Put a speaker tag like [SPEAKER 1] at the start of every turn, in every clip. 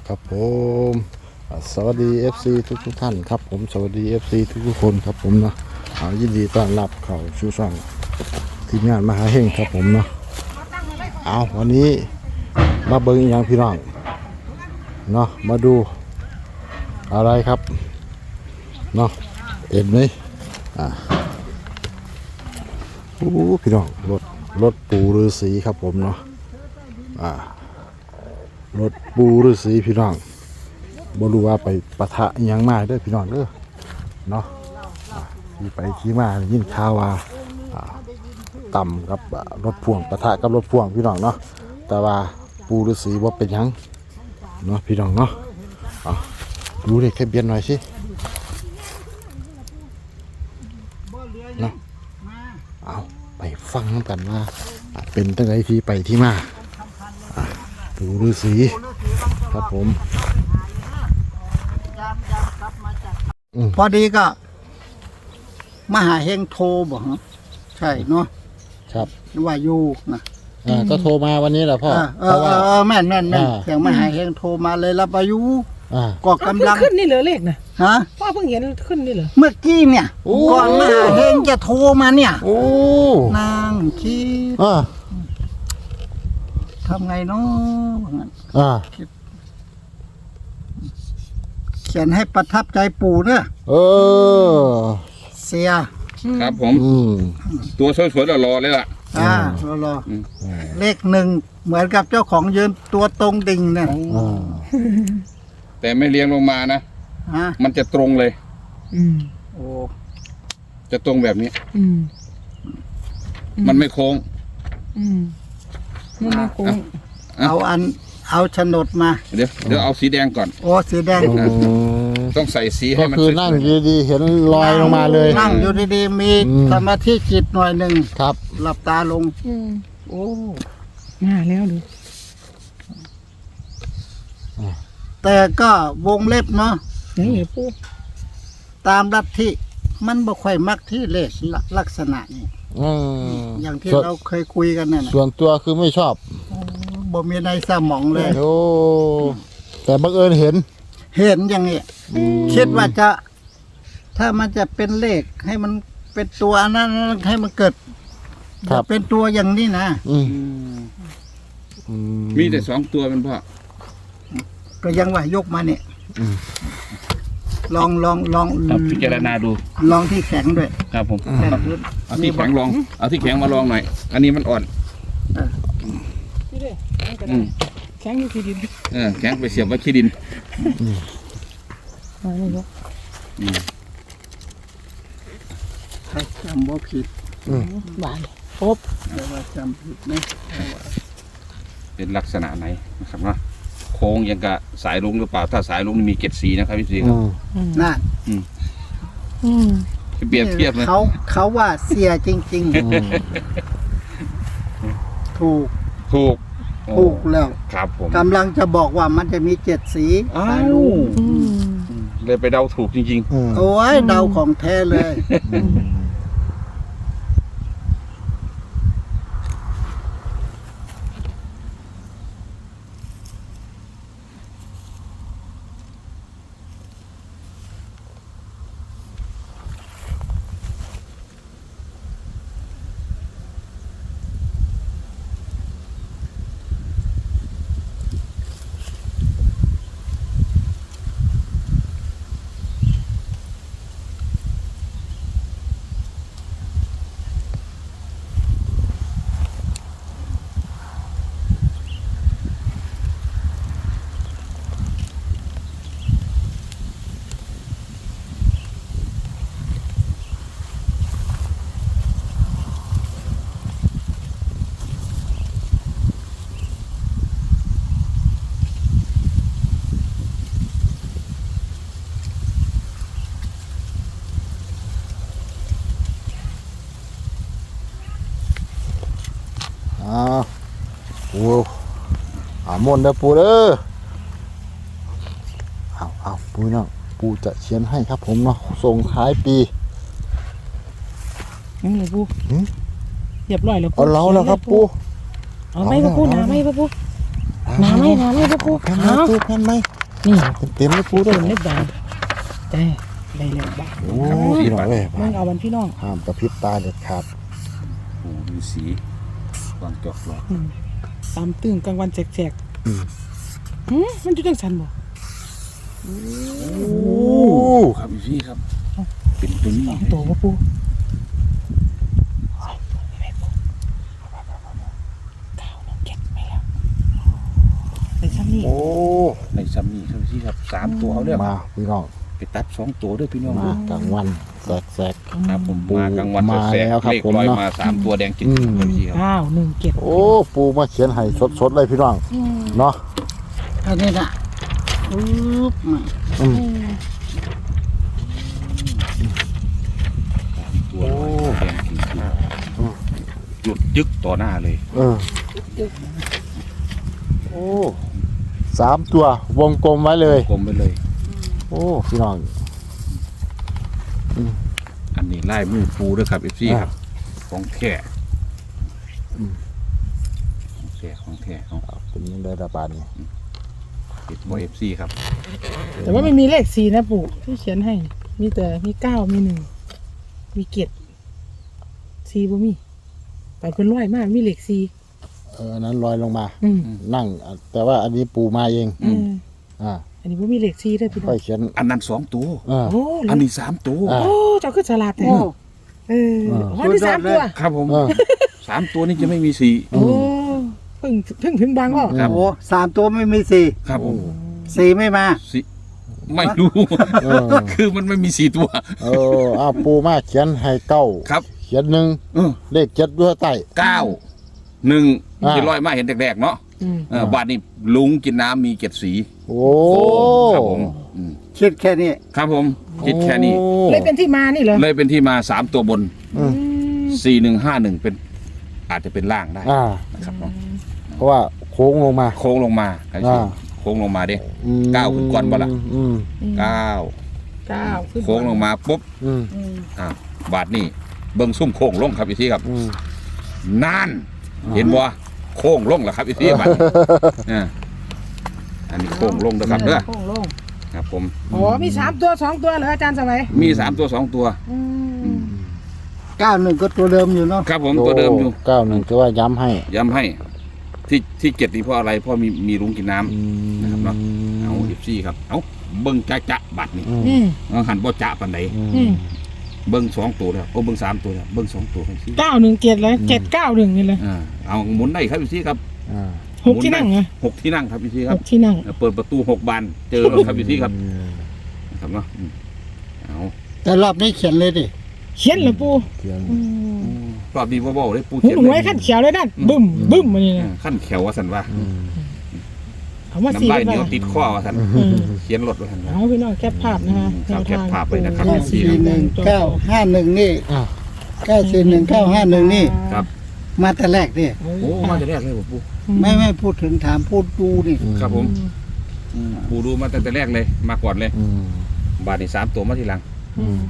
[SPEAKER 1] ครับผมสวัสดี FC ทุกท่านครับผมสวัสดี FC ทุกคนครับผมเนาะยินดีต้อนรับเข้าสู่ช่องทีมงานมหาเฮงครับผมเนาะวันนี้มาเบิ่งอีกอย่างพี่น้องเนาะมาดูอะไรครับเนาะเห็นไหมพี่น้องรถปูฤาษีครับผมเนาะรถปูฤาษีพี่น้องบ่รู้ว่าไปปะทะอิหยังมาเด้อพี่น้องเด้อเนาะที่ไปที่มายินข่าวว่าต่ำกับรถพ่วงปะทะกับรถพ่วงพี่น้องเนาะแต่ว่าปูฤาษีบ่เป็นหยังเนาะพี่น้องเนาะดูเลขทะเบียนหน่อยสิเนาะไปฟังกันว่าเป็นตั้งแต่ที่ไปที่มาปูฤาษีครับผม
[SPEAKER 2] พอดีก็มหาเฮงโทรบอกใช่เนาะ
[SPEAKER 1] ครับ
[SPEAKER 2] ว่าอยู่นะ
[SPEAKER 1] ก็โทรมาวันนี้แหละพ่อ
[SPEAKER 2] เพราะว่าแม่นเสียงมหาเฮงโทรมาเลยรับอายุก็กำลัง
[SPEAKER 3] ขึ้นนี่เหลือเลขนะ
[SPEAKER 2] ฮะ
[SPEAKER 3] พ่อเพิ่งเห็นขึ้นนี่เหรอ
[SPEAKER 2] เมื่อกี้เนี่ยก่อนมหาเฮงจะโทรมาเนี่ยนางคิดทำไงเนาะเขียนให้ประทับใจปู่เนี่ยเสีย
[SPEAKER 4] ครับผมตัวสวยๆรอเลยล่ะ
[SPEAKER 2] รอเลขหนึ่งเหมือนกับเจ้าของยืนตัวตรงดิ่งเนี่ย
[SPEAKER 4] แต่ไม่เลี้ยงลงมานะมันจะตรงเลย
[SPEAKER 2] โอ้
[SPEAKER 4] จะตรงแบบนี้มันไม่โค้ง
[SPEAKER 3] มันไม่โค้ง
[SPEAKER 2] เอาโฉนดมา
[SPEAKER 4] เดี๋ยวเอาสีแดงก่อน
[SPEAKER 2] โอ้สีแดง
[SPEAKER 4] ต้องใส่สีให้มัน
[SPEAKER 1] ก็คือนั่งดีๆเห็นลอยลงมาเลย
[SPEAKER 2] นั่งอยู่ดีๆมีสมาธิจิตหน่อยหนึ่ง
[SPEAKER 1] ครับ
[SPEAKER 2] หลับตาลงโอ้
[SPEAKER 3] มาแล้วดู
[SPEAKER 2] แต่ก็วงเล็บเนาะ
[SPEAKER 3] นี่ปู
[SPEAKER 2] ตามลัทธิมันบ่ค่อยมักที่เลขลักษณะนี้อย่างที่เราเคยคุยกันนั่น
[SPEAKER 1] ส่วนตัวคือไม่ชอบ
[SPEAKER 2] บ่มีในสมองเลย
[SPEAKER 1] โอ้แต่บังเอิญเห็น
[SPEAKER 2] อย่างนี้คิดว่าจะถ้ามันจะเป็นเลขให้มันเป็นตัวนั้นให้มันเกิดเป็นตัวอย่างนี้นะ
[SPEAKER 4] มีแต่2 ตัวเป็นพ่อ
[SPEAKER 2] ก็ยังว่ายกมาเนี่ยลอง
[SPEAKER 4] พิจารณาดู
[SPEAKER 2] ลองที่แข็งด้วย
[SPEAKER 4] ครับผมเอาที่แข็งลองเอาที่แข็งมาลองหน่อยอันนี้มันอ่อน
[SPEAKER 3] แข็งอยู่ที่ดิน
[SPEAKER 4] แข็งไปเสียบไว้ที่ดิน
[SPEAKER 2] ถ้าจำว่าผิด
[SPEAKER 3] บานปุ๊บ
[SPEAKER 2] แต่ว่าจำผิดนะ
[SPEAKER 4] เป็นลักษณะไหนนะครับว่าโค้งยังกะสายลุงหรือเปล่าถ้าสายลุงมี7 สีนะครับพี่สีครับ
[SPEAKER 2] น่า
[SPEAKER 4] เปรียบเทียบเลย
[SPEAKER 2] เขาว่าเสียจริงๆถูกแล้ว
[SPEAKER 4] ครับผม
[SPEAKER 2] กำลังจะบอกว่ามันจะมี7 สีสายลุง
[SPEAKER 4] เลยไปเดาถูกจริง
[SPEAKER 2] ๆโอ้ยเดาของแท้เลย
[SPEAKER 1] มนต์เด้อปูเด้อปูเนาะปูจะเขียนให้ครับผมเนาะส่งท้ายปี
[SPEAKER 3] ยังไงปูเรียบร้อยแล้ว
[SPEAKER 1] เอาเราแล้วครับปู
[SPEAKER 3] เอาไม่ปูหนาไม่ปูหนาไม่ปู
[SPEAKER 1] แผ่นไหม
[SPEAKER 3] นี่
[SPEAKER 1] เต็มเลยปูด้
[SPEAKER 3] เต็
[SPEAKER 1] วย
[SPEAKER 3] มเล็บบานแต่ได้แล้วบ้าน
[SPEAKER 1] โอ้พี่น้องเอ้ย
[SPEAKER 3] มึงเอาวันพี่น้อง
[SPEAKER 1] ห้ามกระพริบตาเด็ดขาด
[SPEAKER 4] โอ้ดูสีวางจอกหลอด
[SPEAKER 3] ตามตึงกลางวันแสก
[SPEAKER 1] อืม
[SPEAKER 3] ๆมันอยู่จังสันบ่
[SPEAKER 1] โอ้
[SPEAKER 4] ครับพี่ครับเป็นตัวนี้
[SPEAKER 3] สองตัวบ่ปูเก้าน้องเก็บไปแล้วในซ้ำนี่
[SPEAKER 1] โอ้
[SPEAKER 4] ในซัมนี่ครับพี่ครับ3ตัวเอาเด้อ
[SPEAKER 1] มาพี่น้อง
[SPEAKER 4] ไปตัด2ตัวเด้อพี่น้อง
[SPEAKER 1] มากลางวันแสก
[SPEAKER 4] ครับผม
[SPEAKER 1] ปู
[SPEAKER 4] มากลางวัน
[SPEAKER 1] มา
[SPEAKER 4] แสก
[SPEAKER 1] แล้วครับ
[SPEAKER 4] เลข
[SPEAKER 1] ผม
[SPEAKER 4] ลอย
[SPEAKER 1] เนาะ
[SPEAKER 4] มา3ตัวแดงจิ๋ว
[SPEAKER 1] อืม
[SPEAKER 4] ครับพี่ครับ
[SPEAKER 3] 917
[SPEAKER 1] ๆโอ้ปูมาเขียนให้สดๆเลยพี่น้องเนาะ
[SPEAKER 2] อันนี้น่ะปึ๊บมา
[SPEAKER 1] อืม
[SPEAKER 4] ตัวลอยแดงจิ๋วหยุดยึกต่อหน้าเลย
[SPEAKER 1] เออโอ้3ตัววงกลมไว้เลย
[SPEAKER 4] กลมไปเลย
[SPEAKER 1] โอ้พี่น้อง
[SPEAKER 4] อันนี้ไล่มือปูด้วยครับพี่ครับของแท้ของแท้ของ
[SPEAKER 1] เป็นยังไงระบาดนี่
[SPEAKER 4] ติดบอยFC ครับ
[SPEAKER 3] แต่ว่าไม่มีเลข4นะปู่ที่เขียนให้ มีแต่มี9มี1มี7 4บ่มีไปเพิ่นร้อยมากมีเลข4
[SPEAKER 1] อันนั้นลอยลงมา
[SPEAKER 3] อืม
[SPEAKER 1] นั่ง แต่ว่าอันนี้ปูมาเอง อ่า
[SPEAKER 3] อันนี้บ่มีเลข4เด้อพี่น้
[SPEAKER 1] ค่
[SPEAKER 3] อ
[SPEAKER 1] อง ยเขียน
[SPEAKER 4] อันนั้น2ตัว
[SPEAKER 3] โอ้
[SPEAKER 4] อันนี้3ตัว
[SPEAKER 1] อ่า
[SPEAKER 3] โอ้เจ้าคือฉลาดแท้
[SPEAKER 2] โอ้
[SPEAKER 3] เอออ๋อนี่3ตัว
[SPEAKER 4] ครับผม
[SPEAKER 1] เออ
[SPEAKER 4] 3ตัวนี้จะไม่มี4
[SPEAKER 3] โอ้เพิ่งถึงบางบ่
[SPEAKER 4] ครับ
[SPEAKER 2] โอ้3ตัวไม่มีสี่
[SPEAKER 4] ครับผม
[SPEAKER 2] สี่ไม่มา
[SPEAKER 4] สิไม่รู้
[SPEAKER 1] เออ
[SPEAKER 4] คือมันไม่มี4ตัว
[SPEAKER 1] เอออ้าวปูมาเขียนให้เก้า
[SPEAKER 4] ครับ
[SPEAKER 1] เขียนหนึ่ง
[SPEAKER 4] เออ
[SPEAKER 1] เลขเจ็ดด้วยใต้
[SPEAKER 4] 9 1ที่ลอยมาเห็นแดกๆเนาะ
[SPEAKER 3] อืม
[SPEAKER 4] บาทนี้ลุงกินน้ำมี7สี
[SPEAKER 1] โอ้
[SPEAKER 4] ครับผมอืม
[SPEAKER 2] คิดแค่นี้
[SPEAKER 4] ครับผมคิดแค่นี้
[SPEAKER 1] โอ้
[SPEAKER 3] เลยเป็นที่มานี่เหรอ
[SPEAKER 4] เลยเป็นที่มา3ตัวบน
[SPEAKER 1] อืม
[SPEAKER 4] 4151เป็นอาจจะเป็นล่างได้
[SPEAKER 1] อ่า
[SPEAKER 4] นะครับเนาะ
[SPEAKER 1] เพราะว่าโค้งลงมา
[SPEAKER 4] โค้งลงมาครับ
[SPEAKER 1] อ่า
[SPEAKER 4] โค้งลงมาเด้
[SPEAKER 1] อืม
[SPEAKER 4] ก้าวขึ้นก่อนบ่ล่ะ
[SPEAKER 1] อืม
[SPEAKER 4] 9
[SPEAKER 3] 9ขึ้น
[SPEAKER 4] โค้งลงมาปุ๊บ
[SPEAKER 1] อืม
[SPEAKER 4] บาทนี่เบิ้งซุ่มโค้งลงครับพี่ที่ครับ
[SPEAKER 1] อืม
[SPEAKER 4] นั่นเห็นบ่โค้งลงแล้วครับพี่ที่บาทนี้อันนี้โค้งลงนะครับเด้อ
[SPEAKER 3] โค้งลง
[SPEAKER 4] ครับผม
[SPEAKER 3] อ๋อมี3ตัว2ตัวเหรออาจารย์สมัย
[SPEAKER 4] มี3ตัว2ตัว
[SPEAKER 2] 91ก็ตัวเดิมอยู่เนาะ
[SPEAKER 4] ครับผมตัวเดิมอยู่
[SPEAKER 1] 91ถือว่าย้ำให้
[SPEAKER 4] ย้ำให้ที่7นี่เพราะอะไรเพราะมีลุงกินน้ำ นะครับเนาะ เอา14ครับเอาเบิ้งจะบัตรนี่
[SPEAKER 3] อืม
[SPEAKER 4] เอาหันบ่จะปานใด
[SPEAKER 3] อืม
[SPEAKER 4] เบิ้ง2ตัวแล้วโอ้เบิ้ง3ตัวแล้วเบิ้ง2ตัวกันสิ
[SPEAKER 3] 917เลย791นี่เลย
[SPEAKER 4] เอาหมุนได้ครับพี่ครับ
[SPEAKER 1] อ่า
[SPEAKER 3] 6ที่นั่งเหรอ
[SPEAKER 4] 6ที่นั่งครับพี่ครับ
[SPEAKER 3] 6ที่นั่ง
[SPEAKER 4] เปิดประตู6บานเจอแล้วครับพี่ครับนะครับเนาะเอา
[SPEAKER 2] แต่รอบนี้เขียนเลยดิ
[SPEAKER 3] เขียนเหรอปู่
[SPEAKER 1] เขียน
[SPEAKER 4] รอบนี้บ่ๆเลยปู
[SPEAKER 3] หู
[SPEAKER 4] เขียน
[SPEAKER 3] หนูไว้ขั้นเขียวเลยนั่นบึ้มบึ้มมานี่นะ
[SPEAKER 4] ขั้นแขวว่าสันว่า
[SPEAKER 3] เอามาสี
[SPEAKER 4] น้ำลาย
[SPEAKER 3] ไป
[SPEAKER 4] เหนียวติดข้อว่าสัน
[SPEAKER 3] อืม
[SPEAKER 4] เขียนรถว่าสันว่า
[SPEAKER 3] เอาพี่น้องแคปภาพนะคะ
[SPEAKER 4] ครับแคปภาพไว้นะครับ
[SPEAKER 2] 941 นี่
[SPEAKER 1] อ่า
[SPEAKER 2] 941 951 นี่
[SPEAKER 4] ครับ
[SPEAKER 2] มาแต่แรกนี่
[SPEAKER 4] โอ้มาแต่แรกเลยปู
[SPEAKER 2] ไม่พูดถึงถามพูดดูนี่
[SPEAKER 4] ครับผมปูดูมาตั้งแต่แรกเลยมาก่อนเลย
[SPEAKER 1] อืม
[SPEAKER 4] บาทนี่3ตัวมาทีหลัง
[SPEAKER 1] อืม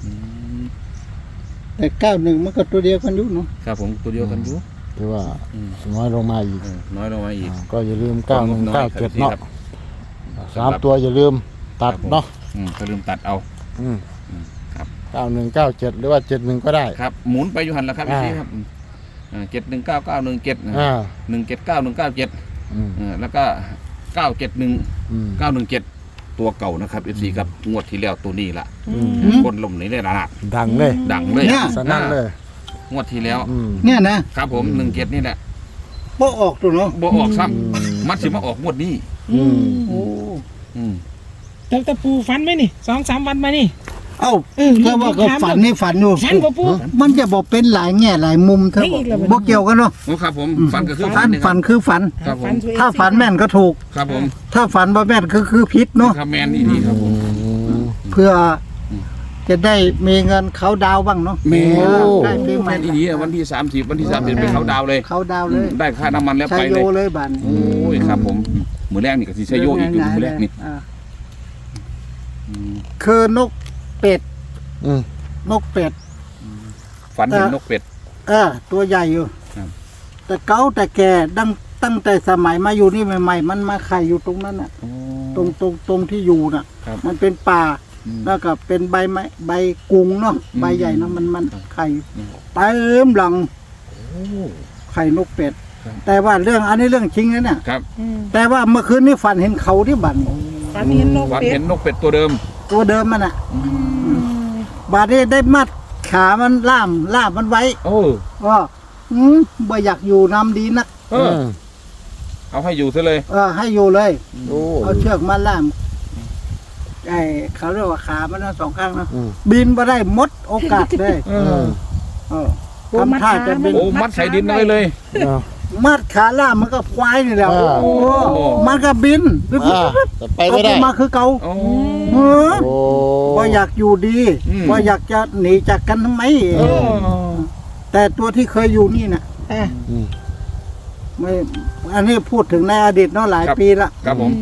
[SPEAKER 2] แต่91มันก็ตัวเดียวกันอยู่เนาะ
[SPEAKER 4] ครับผมตัวเดียวกันอยู่
[SPEAKER 1] ถือว่าน้อยลงมาอีก
[SPEAKER 4] น้อยลงมาอีก
[SPEAKER 1] ก็อย่าลืม
[SPEAKER 4] น้อยครับ
[SPEAKER 1] 9197เนาะ
[SPEAKER 4] สำหรับ
[SPEAKER 1] 3ตัวอย่าลืมตัดเนาะ
[SPEAKER 4] ก็ลืมตัดเอา
[SPEAKER 1] อืม
[SPEAKER 4] ครับ
[SPEAKER 1] 9197หรือว่า71ก็ได้
[SPEAKER 4] ครับหมุนไปอยู่หันแล้วครับ
[SPEAKER 1] อ่า
[SPEAKER 4] พี่ครับ7199171
[SPEAKER 1] อ่า
[SPEAKER 4] 1799197
[SPEAKER 1] อืม
[SPEAKER 4] แล้วก็971
[SPEAKER 1] อืม
[SPEAKER 4] 917ตัวเก่านะครับFC ครับงวดที่แล้วตัวนี้ล่ะ
[SPEAKER 1] อืม
[SPEAKER 4] คนลมนี่ได้ละ
[SPEAKER 1] ดังเลย
[SPEAKER 4] ดังเลย
[SPEAKER 1] สนั่นเลย
[SPEAKER 4] งวดที่แล้ว
[SPEAKER 1] อืม
[SPEAKER 2] เนี่ยนะครับ
[SPEAKER 4] ผม17นี่แหละ
[SPEAKER 2] บ่ออกตัวเนาะ
[SPEAKER 4] บ่ออกซ้
[SPEAKER 1] อืม
[SPEAKER 4] ำมันสิมาออกงวดนี้
[SPEAKER 1] อืม
[SPEAKER 2] โอ้
[SPEAKER 4] อืม
[SPEAKER 3] แต่ปูฟันไหมนี่2-3วันมานี่
[SPEAKER 2] เอ้า
[SPEAKER 3] เออ
[SPEAKER 2] ถ้าว่าก็ฝันนี่ฝันอยู่
[SPEAKER 3] ฟันบ่ปู
[SPEAKER 2] มันจะบอกเป็นหลายแง่หลายมุมเธอ
[SPEAKER 3] ไม่อีกแล้ว
[SPEAKER 2] บ่เกี่ยวกันเนาะ
[SPEAKER 4] โอ้ครับผมฝันก็คือ
[SPEAKER 2] ฝัน
[SPEAKER 4] นี่ค
[SPEAKER 2] ฝั
[SPEAKER 4] รับ
[SPEAKER 2] นคือฝัน
[SPEAKER 4] ครับผม
[SPEAKER 3] ตัวเอง
[SPEAKER 2] ถ้าฝันแม่นก็ถูก
[SPEAKER 4] ครับผม
[SPEAKER 2] ถ้าฝันบ่แม่นคือผิดเนาะ
[SPEAKER 4] ครับแมนนี่ดีครับผม
[SPEAKER 2] เพื่อจะได้มีเงินเขาดาวบ้างเนาะ
[SPEAKER 4] แมน
[SPEAKER 2] ได้ปีให
[SPEAKER 4] แม
[SPEAKER 2] ม่
[SPEAKER 4] นดีวันที่30วันที่30เป็นเขาดาวเลย
[SPEAKER 2] เขาดาวเลย
[SPEAKER 4] ได้ค่าน้ำมันแล้ว
[SPEAKER 2] ชั
[SPEAKER 4] ไป
[SPEAKER 2] ย
[SPEAKER 4] เล
[SPEAKER 2] โย
[SPEAKER 4] ย
[SPEAKER 2] เลยบัน
[SPEAKER 4] โอ้ยครับผมมือแรกนี่ก็สิใช้โยอีกอยู่มือแรกนี่
[SPEAKER 2] อ่าคือนกเป็ด
[SPEAKER 1] อืม
[SPEAKER 2] นกเป็ด
[SPEAKER 4] ฝันเห็นนกเป็ด
[SPEAKER 2] ตัวใหญ่อยู่
[SPEAKER 4] ครับ
[SPEAKER 2] แต่เก่าแต่แก่ตั้งแต่สมัยมาอยู่นี่ใหม่ๆมันมาไข่อยู่ตรงนั้นน่ะ
[SPEAKER 4] โอ้
[SPEAKER 2] ตรงที่อยู่น่ะ
[SPEAKER 4] ครับ
[SPEAKER 2] มันเป็นป่า
[SPEAKER 4] อืม
[SPEAKER 2] แล้วก็เป็นใบไม้ใบกุงเนาะใบใหญ่เนาะมันไข่เต็มหลัง
[SPEAKER 4] โอ้
[SPEAKER 2] ไข่นกเป็ด
[SPEAKER 4] ครับ
[SPEAKER 2] แต่ว่าเรื่องอันนี้เรื่องจริงนะเนี่ย
[SPEAKER 4] ครับ
[SPEAKER 3] อืม
[SPEAKER 2] แต่ว่าเมื่อคืนนี้ฝันเห็นเขาที่บัน
[SPEAKER 3] ฝันเห็นนก
[SPEAKER 4] วัน
[SPEAKER 3] เป็ด
[SPEAKER 4] เห็นนกเป็ดตัวเดิม
[SPEAKER 2] ตัวเดิมมันอ่ะ
[SPEAKER 3] อืม
[SPEAKER 2] บาดนี้ได้มัดขามันล่ามมันไว้
[SPEAKER 4] โอ้
[SPEAKER 2] ว่าบ่อยากอยู่นำดีนัก
[SPEAKER 4] เออ เอาให้อยู่ซะเลย
[SPEAKER 2] ให้อยู่เลย
[SPEAKER 1] โอ้
[SPEAKER 2] เอาเชือกมาล่ามไอ้เขาเรียกว่าขามันทั้งสองข้างนะ
[SPEAKER 1] อืม
[SPEAKER 2] บินมาได้หมดโอกาสเลย
[SPEAKER 4] เออ
[SPEAKER 2] เออทำท่าจะบิน
[SPEAKER 4] โอ้มัดใส่ดินเอาไว้เลย
[SPEAKER 1] อ่า
[SPEAKER 2] มัดขาล่ามมันก็ควายนี่แหละ
[SPEAKER 1] อ่า
[SPEAKER 2] โอ้มันก็บิน
[SPEAKER 1] แต่ไปไม่ได้
[SPEAKER 2] ตกลงมาคือเก่า
[SPEAKER 4] โอ้
[SPEAKER 2] เออ
[SPEAKER 1] โอ้
[SPEAKER 2] ว่าอยากอยู่ดี
[SPEAKER 4] อืม
[SPEAKER 2] ว่าอยากจะหนีจากกันทำไม
[SPEAKER 4] เออ
[SPEAKER 2] แต่ตัวที่เคยอยู่นี่น่ะ
[SPEAKER 3] อ่ะ
[SPEAKER 1] อืม
[SPEAKER 2] ไม่อันนี้พูดถึงในอดีตเนาะหลายปีละ
[SPEAKER 4] ครับผม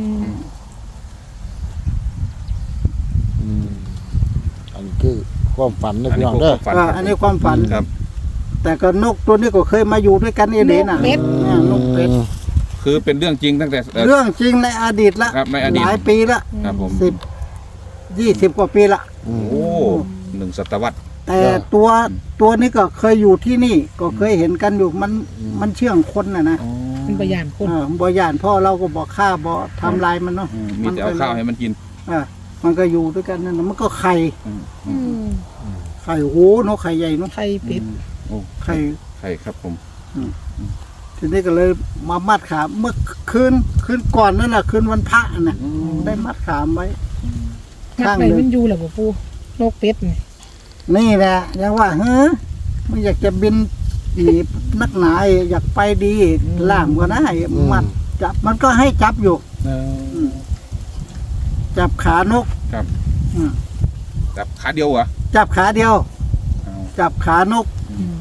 [SPEAKER 1] อืมอันนี้คือความฝันนะ
[SPEAKER 4] อัน
[SPEAKER 1] พี่
[SPEAKER 4] นี้
[SPEAKER 1] น้อง
[SPEAKER 4] พวก
[SPEAKER 1] เด้อ
[SPEAKER 4] ฝัน
[SPEAKER 2] อันนี้ความฝัน
[SPEAKER 4] ครับ
[SPEAKER 2] แต่ก็นกตัวนี้ก็เคยมาอยู่ด้วยกันเอเดนน่ะนกเป็ด
[SPEAKER 4] คือเป็นเรื่องจริงตั้งแต่
[SPEAKER 2] เรื่องจริงในอดีตละ
[SPEAKER 4] ครับในอดีต
[SPEAKER 2] หลายปีละ
[SPEAKER 4] ครับผม
[SPEAKER 2] 20 กว่าปีละ
[SPEAKER 1] อืม
[SPEAKER 4] โอ้1 ศตวรรษ
[SPEAKER 2] แต่ตัวนี้ก็เคยอยู่ที่นี่ ก็เคยเห็นกันอยู่มันเชื่องคนน่ะนะ
[SPEAKER 3] เป็นพยานคน
[SPEAKER 2] บ่ย่านพ่อเราก็บอกฆ่าบ่ทำลายมันเนาะ
[SPEAKER 4] มีแต่เอาข้าวให้มันกิน
[SPEAKER 2] มันก็อยู่ด้วยกันนั่นน่ะมันก็ไข่
[SPEAKER 3] อืม
[SPEAKER 2] ไข่โหนกไข่ใหญ่เนาะ
[SPEAKER 3] ไข่เป็ด
[SPEAKER 4] โอ้
[SPEAKER 2] ไข่
[SPEAKER 4] ใช่ครับผม
[SPEAKER 2] ทีนี้ก็เลยมามัดขาเมื่อคืนก่อนนั่นน่ะคืนวันพระน่ะได้มัดขามไว้
[SPEAKER 3] มัด
[SPEAKER 2] ข้าง
[SPEAKER 3] ไป
[SPEAKER 2] หนึ่ง
[SPEAKER 3] มันอยู่แหละบ่ปูนกเป็ดนี่
[SPEAKER 2] นี่แหละยังว่าเฮ้อไม่อยากจะบินหนีนักหนาอยากไปดีล่ามก็ได้มัดจับมันก็ให้จับอยู่ จับขานก
[SPEAKER 4] ครับ
[SPEAKER 2] อืม
[SPEAKER 4] จับขาเดียวเหรอ
[SPEAKER 2] จับขาเดียว
[SPEAKER 4] เอา
[SPEAKER 2] จับขานก
[SPEAKER 3] อืม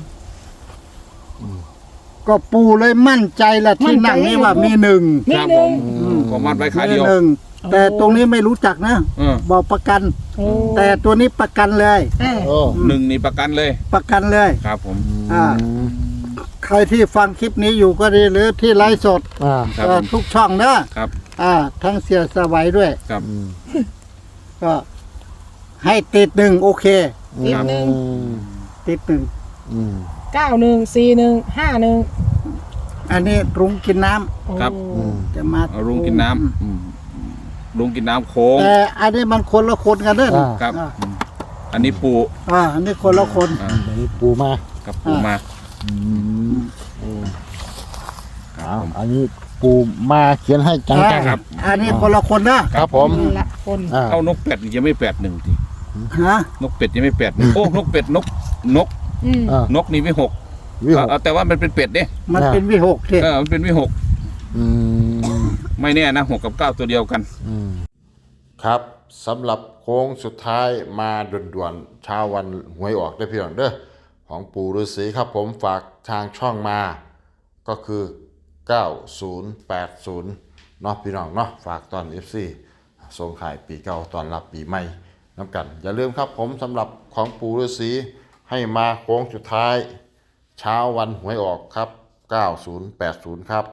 [SPEAKER 2] ก็ปูเลยมั่นใจละที่นั่งนี่ว่ามีหนึ่ง
[SPEAKER 3] มี
[SPEAKER 4] ครับ
[SPEAKER 3] ห
[SPEAKER 4] ผ
[SPEAKER 3] นึ่ง
[SPEAKER 4] มก็มัดไว้ขา
[SPEAKER 2] มี
[SPEAKER 4] เดียว
[SPEAKER 2] หนึ่งแต่ตรงนี้ไม่รู้จักนะ
[SPEAKER 4] เออ
[SPEAKER 2] บอกประกัน
[SPEAKER 3] โอ้
[SPEAKER 2] แต่ตัวนี้ประกันเลย
[SPEAKER 3] อ่ะ
[SPEAKER 1] โอ้
[SPEAKER 4] 1นี่ประกันเลย
[SPEAKER 2] ประกันเลย
[SPEAKER 4] ครับผม
[SPEAKER 2] อ่า ใครที่ฟังคลิปนี้อยู่ก็ดีหรือที่ไลฟ์สด
[SPEAKER 1] อ่า
[SPEAKER 4] ครับผม
[SPEAKER 2] ทุกช่องนะครับ ทั้งเสียสวัยด้วย
[SPEAKER 4] ครับ
[SPEAKER 1] อืม
[SPEAKER 2] ก็ให้ติดหนึ่งโอเค
[SPEAKER 3] ติดหนึ่ง
[SPEAKER 2] ติดหนึ่ง
[SPEAKER 1] อืม
[SPEAKER 3] 914151
[SPEAKER 2] อันนี้รุ้งกินน้ำ
[SPEAKER 3] โอ้
[SPEAKER 4] ครับ
[SPEAKER 1] อืม
[SPEAKER 2] จะมา
[SPEAKER 4] เอาลุงกินน้ำลุงกินน้ำโค้ง
[SPEAKER 2] แต่อันนี้มันคนละคนกันเด้อ
[SPEAKER 1] อ่า
[SPEAKER 4] ครับ
[SPEAKER 2] อ่า
[SPEAKER 4] อันนี้ปู
[SPEAKER 2] อันนี้คนละคน
[SPEAKER 1] อันนี้ปูมา
[SPEAKER 4] กับปูมา
[SPEAKER 1] อืมโอ้เอาอันนี้ปูมาเขียนให้จัง
[SPEAKER 4] ครับ
[SPEAKER 2] อันนี้คนละคนนะครับ
[SPEAKER 1] ผม
[SPEAKER 3] ละคน
[SPEAKER 1] อ่า
[SPEAKER 4] เอานกเป็ดยังไม่8-1ที
[SPEAKER 2] ฮะ
[SPEAKER 4] นกเป็ดยังไม่8-1โอ้นกเป็ดนก
[SPEAKER 3] อืม
[SPEAKER 1] อ่าน
[SPEAKER 4] กนี่วิหก
[SPEAKER 1] วิหก
[SPEAKER 4] แต่ว่ามันเป็นเป็ดเนี่ย
[SPEAKER 2] มันเป็นวิหกที่
[SPEAKER 4] มันเป็นวิหก
[SPEAKER 1] อืม
[SPEAKER 4] ไม่แน่นะ6 กับ 9 ตัวเดียวกัน
[SPEAKER 1] ครับสำหรับโค้งสุดท้ายมาด่วนๆเช้าวันหวยออกได้เพียงเด้อของปู่ฤาษีครับผมฝากทางช่องมาก็คือ 9080เนาะพี่น้องเนาะฝากตอน FC ส่งขายปีเก่าตอนรับปีใหม่น้ำกัน อย่าลืมครับผมสำหรับของปู่ฤาษีให้มาโค้งสุดท้ายเช้าวันหวยออกครับ 9080 ครับ